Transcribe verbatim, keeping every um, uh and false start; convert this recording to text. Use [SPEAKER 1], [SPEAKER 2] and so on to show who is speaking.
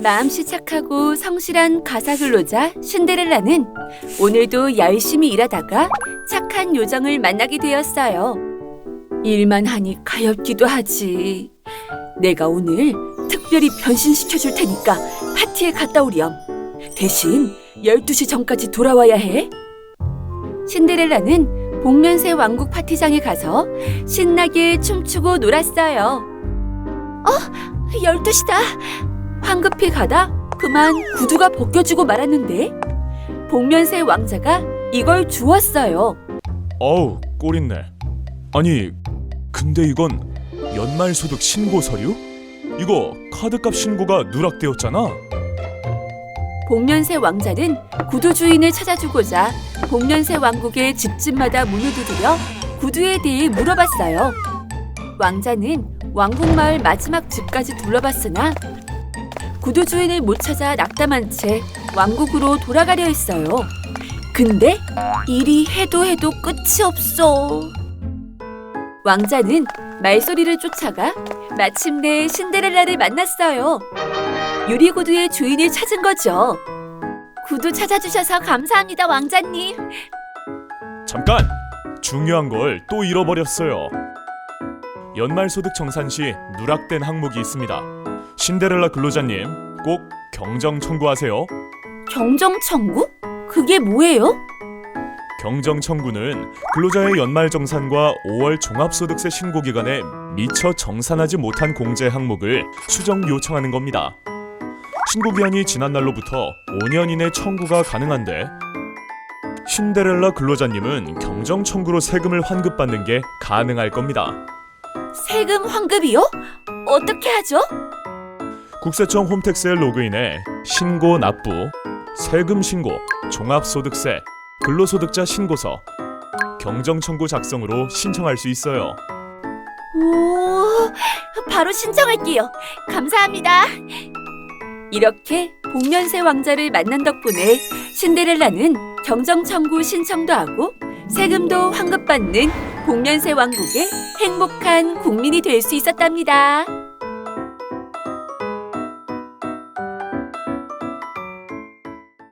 [SPEAKER 1] 마음씨 착하고 성실한 가사 근로자 신데렐라는 오늘도 열심히 일하다가 착한 요정을 만나게 되었어요. 일만 하니 가엾기도 하지. 내가 오늘 특별히 변신시켜줄 테니까 파티에 갔다 오렴. 대신 열두 시 전까지 돌아와야 해. 신데렐라는 복면새 왕국 파티장에 가서 신나게 춤추고 놀았어요. 어? 열두 시다. 황급히 가다 그만 구두가 벗겨지고 말았는데 복면새 왕자가 이걸 주었어요.
[SPEAKER 2] 어우, 꼴있네. 아니, 근데 이건 연말소득 신고 서류? 이거 카드값 신고가 누락되었잖아.
[SPEAKER 1] 복면새 왕자는 구두 주인을 찾아주고자 복면새 왕국의 집집마다 문을 두드려 구두에 대해 물어봤어요. 왕자는 왕국 마을 마지막 집까지 둘러봤으나 구두 주인을 못 찾아 낙담한 채 왕국으로 돌아가려 했어요. 근데 일이 해도 해도 끝이 없어. 왕자는 말소리를 쫓아가 마침내 신데렐라를 만났어요. 유리구두의 주인을 찾은 거죠. 구두 찾아주셔서 감사합니다, 왕자님.
[SPEAKER 2] 잠깐! 중요한 걸 또 잃어버렸어요. 연말소득 정산 시 누락된 항목이 있습니다. 신데렐라 근로자님, 꼭 경정 청구하세요.
[SPEAKER 1] 경정 청구? 그게 뭐예요?
[SPEAKER 2] 경정 청구는 근로자의 연말 정산과 오월 종합소득세 신고 기간에 미처 정산하지 못한 공제 항목을 수정 요청하는 겁니다. 신고 기한이 지난 날로부터 오 년 이내 청구가 가능한데 신데렐라 근로자님은 경정 청구로 세금을 환급받는 게 가능할 겁니다.
[SPEAKER 1] 세금 환급이요? 어떻게 하죠?
[SPEAKER 2] 국세청 홈택스에 로그인해 신고 납부, 세금 신고, 종합소득세, 근로소득자 신고서, 경정 청구 작성으로 신청할 수 있어요.
[SPEAKER 1] 오, 바로 신청할게요. 감사합니다. 이렇게 복면새 왕자를 만난 덕분에 신데렐라는 경정 청구 신청도 하고 세금도 환급받는 복면새 왕국의 행복한 국민이 될 수 있었답니다.